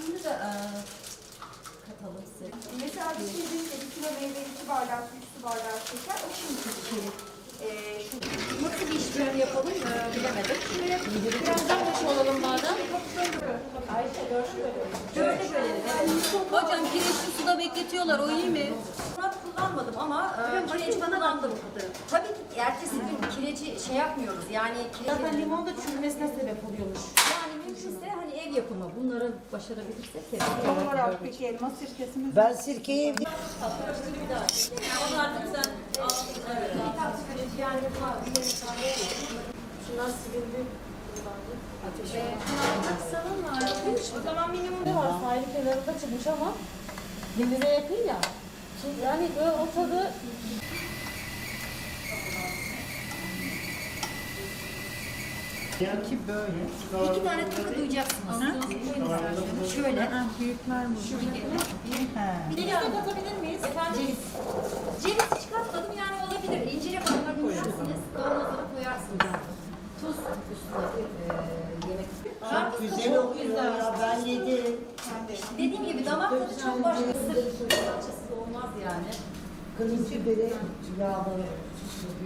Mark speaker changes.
Speaker 1: Şimdi de katalım size.
Speaker 2: Mesela bir şey deyince 1 kilo meyve, 2 bardak, 3 su bardağı şeker, o şimdi içeri.
Speaker 1: Nasıl bir işlem yapalım bilemedim. Birazdan baş olalım madem. Ayşe böyle hocam kireçli suda bekletiyorlar, o iyi mi? Murat kullanmadım ama kireç kullandım. Tabii ki ertesi gün kireci şey yapmıyoruz yani
Speaker 3: Zaten limon da çürümesine sebep oluyormuş.
Speaker 1: yani mümkünse hani ev yapımı bunları başarabilirsek kesin.
Speaker 2: Son olarak peki elma sirkesimiz
Speaker 4: Ben sirkeyi
Speaker 1: Onu artık sen
Speaker 3: Şunlar silindi.
Speaker 1: o zaman minimum
Speaker 3: Ne var? Sahil kenarında çıkmış ama denize yakın ya. Yani böyle o tadı
Speaker 4: ki böyle.
Speaker 1: 2 tane takı duyacaksınız. Şöyle.
Speaker 4: Büyükler mi?
Speaker 1: Ceviz de katabilir miyiz? Efendim? Ceviz hiç katmadım yani olabilir. İncire kadar koyarsınız. Kavanozlara koyarsınız. Tuz üstüne yemek.
Speaker 4: Çok güzel oluyor ya, ben yedim.
Speaker 1: Dediğim gibi damak tadı çok başka. Sırf salçasız olmaz yani.
Speaker 4: Kırmızı biberi yağları.